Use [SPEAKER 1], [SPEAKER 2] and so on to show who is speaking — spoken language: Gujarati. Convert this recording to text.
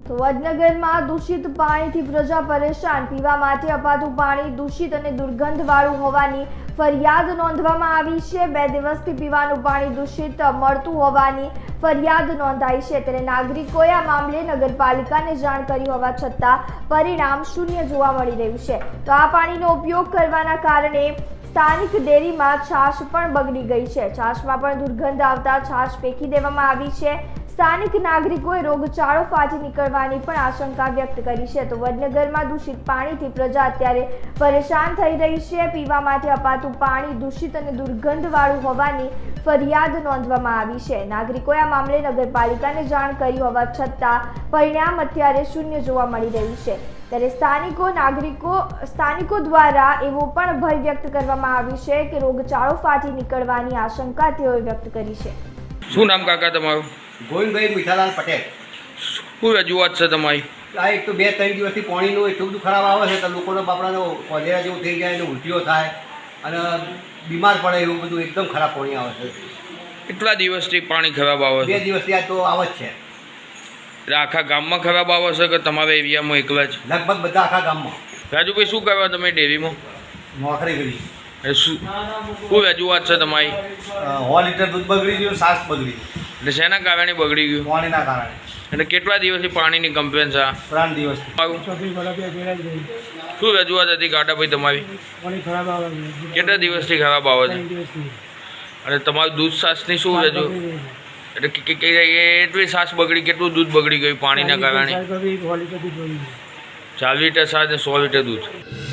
[SPEAKER 1] તો વડનગરમાં દૂષિત પાણીથી પ્રજા પરેશાન। પીવા માટે અપાતું પાણી દૂષિત અને દુર્ગંધવાળું હોવાની ફરિયાદ નોંધવામાં આવી છે। 2 દિવસથી પીવાનું પાણી દૂષિત મળતું હોવાની ફરિયાદ નોંધાઈ છે। ત્યારે નાગરિકોએ આ મામલે નગરપાલિકાને જાણ કરી હોવા છતાં પરિણામ શૂન્ય જોવા મળી રહ્યું છે। તો આ પાણીનો ઉપયોગ કરવાના કારણે સ્થાનિક ડેરીમાં છાશ પણ બગડી ગઈ છે। છાશમાં પણ દુર્ગંધ આવતા છાશ ફેંકી દેવામાં આવી છે। સ્થાનિક નાગરિકોએ રોગચાળો ફાટી નીકળવાની પણ આશંકા વ્યક્ત કરી છે। તો વડનગરમાં દૂષિત પાણીથી પ્રજા અત્યારે પરેશાન થઈ રહી છે। પીવા માટે અપાતું પાણી દૂષિત અને દુર્ગંધવાળું હોવાની ફરિયાદ નોંધવામાં આવી છે। નાગરિકોએ આ મામલે નગરપાલિકાને જાણ કરી હોવા છતાં પરિણામ અત્યારે શૂન્ય જોવા મળી રહ્યું છે। ત્યારે સ્થાનિકો દ્વારા એવો પણ ભય વ્યક્ત કરવામાં આવ્યું છે કે રોગચાળો ફાટી નીકળવાની આશંકા તેઓએ વ્યક્ત કરી છે।
[SPEAKER 2] શું નામ કાકા તમારું?
[SPEAKER 3] ગોવિંદભાઈ મીઠાલાલ પટેલ।
[SPEAKER 2] શું રજૂઆત છે તમારી?
[SPEAKER 3] આ એક તો 2-3 દિવસથી પાણીનું એટલું બધું ખરાબ આવે છે તો લોકોનો બાપડાનો કોલેરા જેવું થઈ જાય, એટલે ઉલટીઓ થાય અને બીમાર પડે, એવું બધું એકદમ ખરાબ પાણી આવે છે।
[SPEAKER 2] કેટલા દિવસથી પાણી ખરાબ આવે છે?
[SPEAKER 3] 2 દિવસથી આ તો આવે જ છે।
[SPEAKER 2] એટલે આખા ગામમાં ખરાબ આવે છે કે તમારા એરિયામાં એકલા જ?
[SPEAKER 3] લગભગ બધા આખા ગામમાં।
[SPEAKER 2] રાજુભાઈ, શું કરવા તમે ડેરીમાં
[SPEAKER 3] નોકરી કરી।
[SPEAKER 2] શું રજૂઆત છે તમારી?
[SPEAKER 3] 100 લીટર દૂધ બગડી ગયું, છાશ બગડી ગયું।
[SPEAKER 2] એટલે શેના કારણે બગડી ગયું?
[SPEAKER 3] પાણીના કારણે।
[SPEAKER 2] એટલે કેટલા દિવસથી પાણીની કમ્પ્લેન છે?
[SPEAKER 3] 3 દિવસથી।
[SPEAKER 2] શું રજૂઆત હતી કાટાભાઈ તમારી? કેટલા દિવસથી ખરાબ આવે છે? અને તમારું દૂધ છાશની શું રજૂ? એટલે એટલી છાશ બગડી, કેટલું દૂધ બગડી ગયું પાણીના કારણે? 4 લીટર છાશ અને 100 લીટર દૂધ।